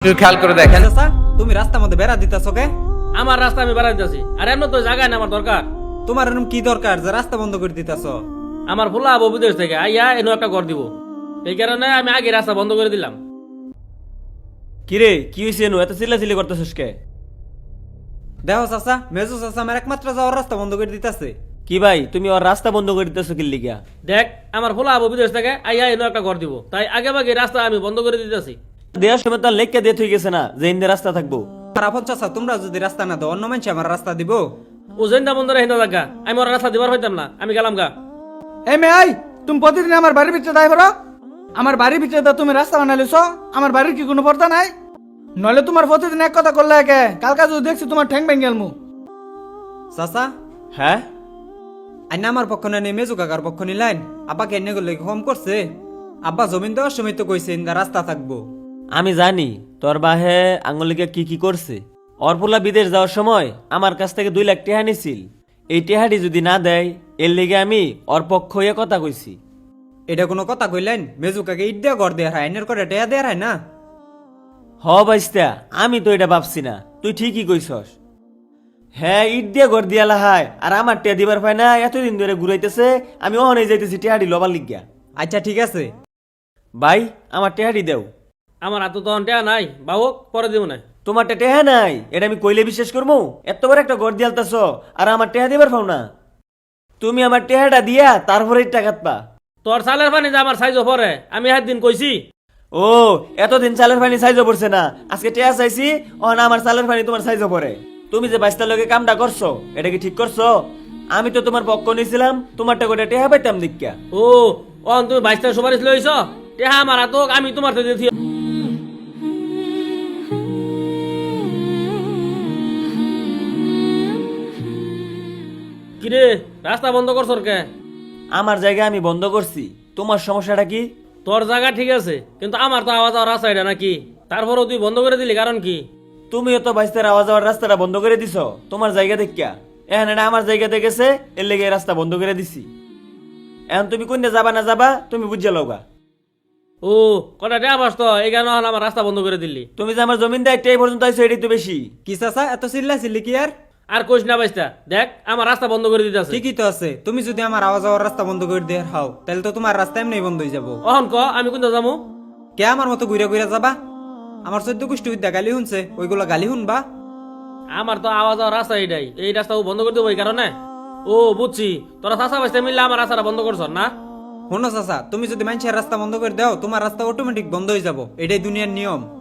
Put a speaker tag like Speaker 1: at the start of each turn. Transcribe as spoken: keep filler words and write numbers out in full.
Speaker 1: একটু খেয়াল করে দেখেন।
Speaker 2: চাচা তুমি রাস্তার মধ্যে বেড়া দিতেছো কে?
Speaker 3: আমার রাস্তা আমি বেড়া দিতেছি আর এমন তো জায়গায় না আমার দরকার।
Speaker 2: তোমার এরকম কি দরকার যে রাস্তা বন্ধ করে দিতেছো?
Speaker 3: আমার ফুলা আবু বিদেশ থেকে আইয়া এনে একটা ঘর দিব, এই কারণে আমি আগে রাস্তা বন্ধ করে দিলাম।
Speaker 4: কিরে কি হয়েছে এনু এত চিল্লাচিল্লি করতেছিস কে?
Speaker 2: দেখো চাচা, মেজু চাচা আমার একমাত্র যাওয়ার রাস্তা বন্ধ করে দিতেছে।
Speaker 4: কি ভাই তুমি ওর রাস্তা বন্ধ করে দিতেছো কি লিগা?
Speaker 3: দেখ আমার ফুলা আবু বিদেশ থেকে আইয়া এনে একটা ঘর দিব, তাই আগে ভাগে রাস্তা আমি বন্ধ করে দিতেছি।
Speaker 4: দেওয়ার সময় তার লেখকে দিয়ে থই গেছে না যে ইন্দে রাস্তা থাকবো।
Speaker 2: আর আপন চাচা তোমরা যদি রাস্তা না দাও অন্য মানুষ আমার রাস্তা দিব?
Speaker 3: ও জেন্দা বন্ধ রে হিন্দা জায়গা আমি ওর রাস্তা দিবার হইতাম না, আমি গেলাম গা।
Speaker 5: এই মে আই তুমি প্রতিদিন আমার বাড়ির ভিতরে দায় করো। আমার বাড়ির ভিতরে তো তুমি রাস্তা বানাইছ, আমার বাড়ির কি কোনো পর্দা নাই? নইলে তোমার প্রতিদিন এক কথা করলে একে কালকা যদি দেখছি তোমার ঠ্যাং ভেঙে গেলমু।
Speaker 2: চাচা
Speaker 4: হ্যাঁ
Speaker 2: আইনা আমার পক্ষ না নেই মেজু কাকার পক্ষ নিলাইন। আব্বাকে এনে গেলে কম করছে। আব্বা জমিন দেওয়ার সময় তো কইছে ইন্দা রাস্তা থাকবো।
Speaker 4: আমি জানি তোর বাহে আঙ্গুলিকে কি কি করছে। অরপুলা বিদেশ যাওয়ার সময় আমার কাছ থেকে দুই লাখ টেহা নিছিল। এই টেহাটি যদি না দেয় এর লেগে আমি ওর পক্ষ হয়ে কথা কইছি।
Speaker 2: এটা কোনো কথা কইলেন? মেজু কাকে ইট দিয়ে ঘর দেওয়ার হয়, আইনের করে টেয়া দেওয়ার হয় না?
Speaker 4: হ বাইস্তা আমি তো এটা ভাবছি না, তুই ঠিকই কইছস। হ্যাঁ ইট দিয়ে ঘর দিয়ালা হায় আর আমার টেয়া দিবার পায় না, এতদিন ধরে ঘুরাইতেছে। আমি ওখানে যাইতেছি টেহাটি লবার লিগিয়া।
Speaker 2: আচ্ছা ঠিক আছে।
Speaker 4: ভাই আমার টেহাটি দেও।
Speaker 3: আমার হাতে তখন টেয়া নাই, বাবুক পরে দিব না।
Speaker 4: তোমার টেহা নাই এটা আমি কইলে বিশ্বাস করবো? এত বড় একটা ঘর দিয়ালতাছ আর আমার টেহা দিবার পাও না। তুমি আমার টেহাটা দিয়া তারপরে টাকাত পা।
Speaker 3: তোর সালের পানি যে আমার সাইজ পরে আমি হাত দিন কইছি।
Speaker 4: ও এতদিন চালের পানি সাইজও পড়ছে না, আজকে টেহা চাইছি ও না আমার চালের পানি তোমার সাইজও পড়ে। তুমি যে বাইশটার লগে কামটা করছো এটা কি ঠিক করছো? আমি তো তোমার পক্ষ নিয়েছিলাম, তোমারটা করে টেহা পাইতাম দীক্ষা।
Speaker 3: ও অন তুমি বাইশটা সুপারিশ লইছ, টেহা আমার হাতক আমি তোমার তো দিছি। কিরে রাস্তা বন্ধ করছর কে?
Speaker 4: আমার জায়গা আমি বন্ধ করছি, তোমার সমস্যাটা কি?
Speaker 3: তোর জায়গা ঠিক আছে কিন্তু আমার তো আওয়াজ রাস্তা এটা নাকি, তারপরও তুই বন্ধ করে দিলি কারণ কি?
Speaker 4: তুমিও তো বাইশটার আওয়াজ যাওয়ার রাস্তাটা বন্ধ করে দিছো তোমার জায়গা দেখিয়া। এখন এটা আমার জায়গাতে গেছে এর লেগে এই রাস্তা বন্ধ করে দিছি। এখন তুমি কোনটা যাবা না যাবা তুমি বুঝে লওগা।
Speaker 3: ও কটা টেহা বাস তো এই কারণে আমার রাস্তা বন্ধ করে দিলি।
Speaker 4: তুমি যে আমার জমিন দায়িত্ব এই পর্যন্ত আইছো এটাই তো বেশি।
Speaker 2: কি চাচা এত চিল্লা চিল্লি কি আর?
Speaker 3: আর কইস না বাইশটা, দেখ আমার রাস্তা বন্ধ করে দিতে আছে।
Speaker 2: ঠিকই তো আছে। তুমি যদি আমার আওয়াজ যাওয়ার রাস্তা বন্ধ করে দিয়ে হাও তাহলে তো তোমার রাস্তা এমনি বন্ধ হয়ে যাবো।
Speaker 3: অহন ক আমি কোনটা যাবো?
Speaker 2: কে আমার মতো ঘুরে ঘুরে যাবা? আমার চোদ্দ গোষ্ঠী বিদ্যা গালি শুনছে, ওইগুলো গালি শুনবা?
Speaker 3: আমার তো আওয়াজ যাওয়ার রাস্তা এইটাই, এই রাস্তা ও বন্ধ করে দেবো এই কারণে। ও বুঝছি, তোরা চাষা বাইশটা মিললে আমার রাস্তাটা বন্ধ করছ না।
Speaker 2: শোনো চাচা, তুমি যদি মানুষের রাস্তা বন্ধ করে দাও তোমার রাস্তা অটোমেটিক বন্ধ হয়ে যাবো, এটাই দুনিয়ার নিয়ম।